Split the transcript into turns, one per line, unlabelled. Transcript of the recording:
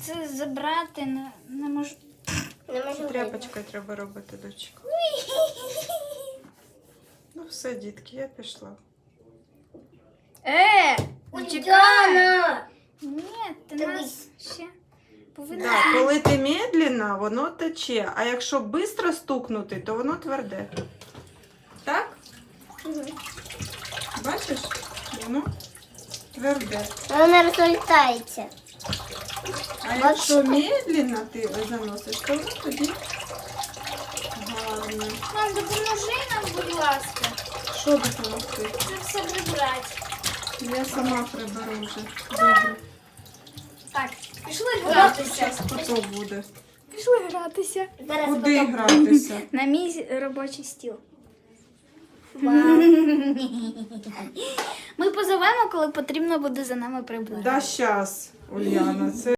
це забрати не можу.
Не можу.
Тряпочкою треба робити, дочка. Ну все, дітки, я пішла.
Чекай!
Уляна!
Ні, ти
Дивись.
нас ще повинна.
Да, коли ти медленно, воно тече, а якщо швидко стукнути, то воно тверде. Так? Бачиш? Воно тверде.
Вона розлітається.
А якщо медленно ти заносиш, то воно тоді гарно.
Мам, допоможи нам, будь ласка,
Що допомогти?
це все прибрати.
Я сама приберу вже. Добре.
Так, пішли
Зараз
гратися.
потоп буде.
Пішли гратися.
Зараз
Куди
потім-
гратися?
На мій робочий стіл.
Вау.
Ми позовемо, коли потрібно буде за нами прибрати.
Да, щас, Ульяна, це